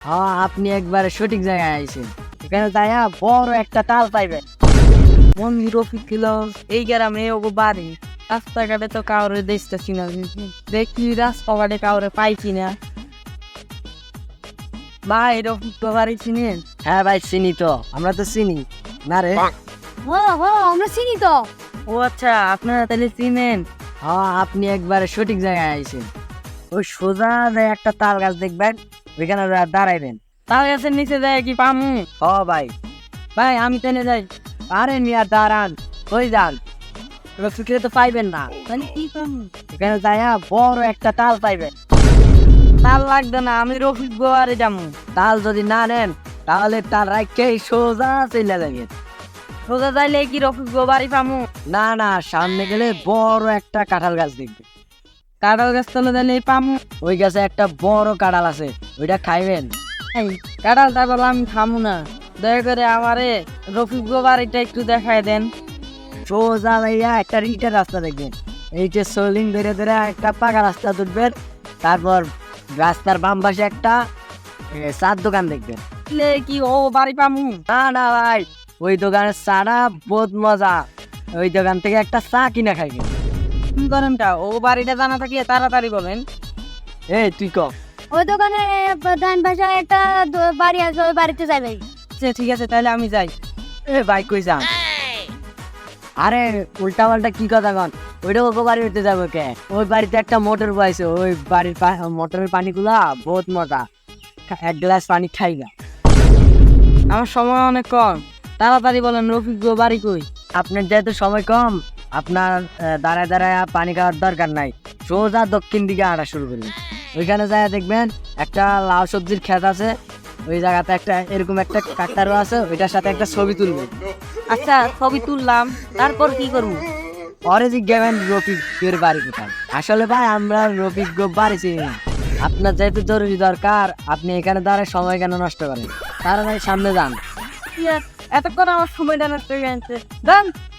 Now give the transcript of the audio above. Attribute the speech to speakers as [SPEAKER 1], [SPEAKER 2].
[SPEAKER 1] হ্যাঁ, আপনি একবারে সঠিক জায়গায় আইছেন। এখানে যাইয়া বড় একটা তাল পাইবেন।
[SPEAKER 2] মন্দির রফিক ছিল এই গ্রামে ওগো বাড়ি। রাস্তাঘাটে তো কাউরে দেখতেছি না, দেখি রাস্তাঘাটে কাউরে পাইছি না। ভাই রফিক বাড়ি চিনেন?
[SPEAKER 1] হ্যাঁ ভাই, চিনি তো, আমরা তো চিনি না রে।
[SPEAKER 3] আমরা চিনি তো।
[SPEAKER 2] ও আচ্ছা, আপনারা তাহলে চিনেন।
[SPEAKER 1] হ্যাঁ, আপনি একবারে সঠিক জায়গায় আইছেন। ওই সোজা যে একটা তাল গাছ দেখবেন, ওইখানে দাঁড়াইবেন।
[SPEAKER 2] তার গাছের নিচে যায় কি পামু?
[SPEAKER 1] হ ভাই।
[SPEAKER 2] ভাই আমি টেনে যাই।
[SPEAKER 1] আরে মিয়া দাঁড়ান, ওই যান, রফিকরে তো পাইবেন না।
[SPEAKER 2] তাহলে কি পামু?
[SPEAKER 1] এখানে যাইয়া বড় একটা তাল পাইবেন।
[SPEAKER 2] তার লাগবে না, আমি রফিক বাড়ি যাবো।
[SPEAKER 1] তাল যদি না নেন তাহলে তাল রাখেই সোজা চলে যাবেন।
[SPEAKER 2] সোজা যাইলে কি রফিক বাড়ি পামু?
[SPEAKER 1] না না, সামনে গেলে বড় একটা কাঁঠাল গাছ দেখবে।
[SPEAKER 2] কাঁঠাল গাছ তলে যাইলে পামু।
[SPEAKER 1] ওই গাছে একটা বড় কাঁঠাল আছে, ওইটা খাইবেন।
[SPEAKER 2] এই কাঁঠালটা বলে আমি খামু না, দয়া করে আমারে রফিক বাড়িটা একটু দেখায় দেন।
[SPEAKER 1] সোজা যাইয়া একটা ইটের রাস্তা দেখবেন। এই যে সোলিং ধরে ধরে একটা পাকা রাস্তা তুলবেন। তারপর রাস্তার বাম পাশে একটা চার দোকান দেখবেন।
[SPEAKER 2] লে কি ও বাড়ি পামু?
[SPEAKER 1] না না ভাই, ওই দোকানের চাটা বহুত মজা। ওই দোকান থেকে একটা চা কিনা খাইবেন।
[SPEAKER 2] কি করেনটা ও বাড়িটা জানা থাকিয়ে তাড়াতাড়ি বলেন।
[SPEAKER 1] এই তুই ক।
[SPEAKER 3] ওই দোকানে ডান পাশে একটা বাড়ি আছে, ওই বাড়িতে যাবে।
[SPEAKER 2] আচ্ছা ঠিক আছে, তাহলে আমি যাই।
[SPEAKER 1] এ ভাই কই যান? আরে উল্টা পাল্টা কি কথা কন? ওইটা ওকে বাড়ি হইতে যাবো কে? ওই বাড়িতে একটা মোটর বয়েছে, ওই বাড়ির মোটরের পানিগুলা বহুত মজা। এক গ্লাস পানি খাই না।
[SPEAKER 2] আমার সময় অনেক কম, তাড়াতাড়ি বলেন রফিক বাড়ি কই?
[SPEAKER 1] আপনার যেহেতু সময় কম, আপনার দাঁড়ায় দাঁড়ায় পানি খাওয়ার দরকার নাই। সোজা দক্ষিণ দিকে হাঁটা শুরু করবেন। ওইখানে যায় দেখবেন একটা লাউ সবজির ক্ষেত আছে। ওই জায়গাতে একটা এরকম একটা কাকতারও আছে, ওইটার সাথে একটা ছবি তুলবেন।
[SPEAKER 2] আচ্ছা ছবি তুললাম, তারপর কি করবো?
[SPEAKER 1] পরে জিজ্ঞাবেন রফিকের বাড়ি কোথায়। আসলে ভাই আমরা রফিক বাড়ি চিনি না। আপনার যেহেতু জরুরি দরকার, আপনি এখানে দাঁড়ায় সময় কেন নষ্ট করেন? তাড়াতাড়ি সামনে যান।
[SPEAKER 2] এতক্ষণ আমার সময়টা নষ্ট হয়ে গেছে। যান।